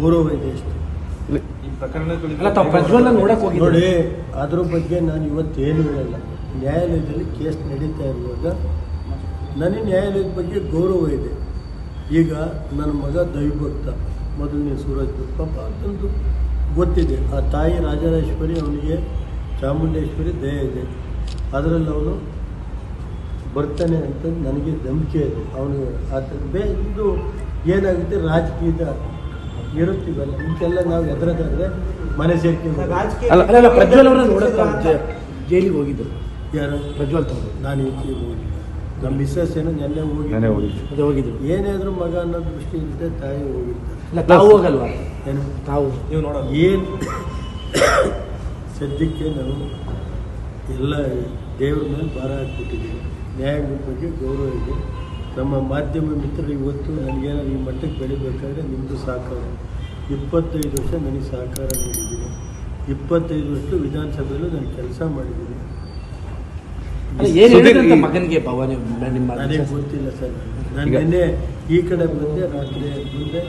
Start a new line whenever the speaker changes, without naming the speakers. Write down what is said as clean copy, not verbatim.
ಗೌರವ ಇದೆ ಅಷ್ಟೇ. ನೋಡಿ, ಅದ್ರ ಬಗ್ಗೆ ನಾನು ಇವತ್ತೇನು ಹೇಳಲ್ಲ. ನ್ಯಾಯಾಲಯದಲ್ಲಿ ಕೇಸ್ ನಡೀತಾ ಇರುವಾಗ ನನಗೆ ನ್ಯಾಯಾಲಯದ ಬಗ್ಗೆ ಗೌರವ ಇದೆ. ಈಗ ನನ್ನ ಮಗ ದೈವಭಕ್ತ, ಮೊದಲನೇ ಸೂರಜ್ ಪಾಪ ಅಂತಂದು ಗೊತ್ತಿದೆ. ಆ ತಾಯಿ ರಾಜರಾಜೇಶ್ವರಿ, ಅವನಿಗೆ ಚಾಮುಂಡೇಶ್ವರಿ ದಯ ಇದೆ, ಅದರಲ್ಲಿ ಅವನು ಬರ್ತಾನೆ ಅಂತ ನನಗೆ ನಂಬಿಕೆ ಇದೆ. ಅವನು ಇದು ಏನಾಗುತ್ತೆ, ರಾಜಕೀಯದ ಇರುತ್ತೀವಲ್ಲ, ಇಂತೆಲ್ಲ ನಾವು ಎದುರದಾದ್ರೆ ಮನೆ ಸೇರ್ಕೊಂಡು
ಪ್ರಜ್ವಲ್ ಅವರ ನೋಡೋಕೆ ಜೈಲಿಗೆ ಹೋಗಿದ್ದರು.
ಯಾರು?
ಪ್ರಜ್ವಲ್ ತವರು.
ನಾನು ಈಚೆಗೆ ಹೋಗಿ ನಮ್ಮ ಮಿಸ್ಸಸ್ ಏನೋ ನೆನ್ನೆ ಹೋಗಿದ್ರು. ಏನೇ ಆದರೂ ಮಗ ಅನ್ನೋ ದೃಷ್ಟಿ ಇರುತ್ತೆ, ತಾಯಿ ಹೋಗಿರ್ತಾರೆ.
ತಾವು ಹೋಗಲ್ವಾ?
ಏನು
ತಾವು
ನೀವು ನೋಡೋದು
ಏನು ಸದ್ಯಕ್ಕೆ ನಾವು ಎಲ್ಲ ದೇವ್ರ ಮೇಲೆ ಭಾರ ಹಾಕ್ಬಿಟ್ಟಿದ್ದೀವಿ. ನ್ಯಾಯದ ಬಗ್ಗೆ ಗೌರವ ಇದೆ. ನಮ್ಮ ಮಾಧ್ಯಮ ಮಿತ್ರರು ಇವತ್ತು ನನಗೇನಾದ್ರು ಈ ಮಟ್ಟಕ್ಕೆ ಬೆಳಿಬೇಕಾದ್ರೆ ನಿಮ್ಮದು ಸಹಕಾರ, 25 ವರ್ಷ ನನಗೆ ಸಹಕಾರ ನೀಡಿದ್ದೀನಿ. 25 ವರ್ಷ ವಿಧಾನಸಭೆಯಲ್ಲೂ ನಾನು ಕೆಲಸ ಮಾಡಿದ್ದೀನಿ.
ಮಗನಿಗೆ
ನನಗೆ ಗೊತ್ತಿಲ್ಲ ಸರ್. ನಾನು ನಿನ್ನೆ ಈ ಕಡೆ ಬಂದೆ, ರಾತ್ರಿ ಮುಂದೆ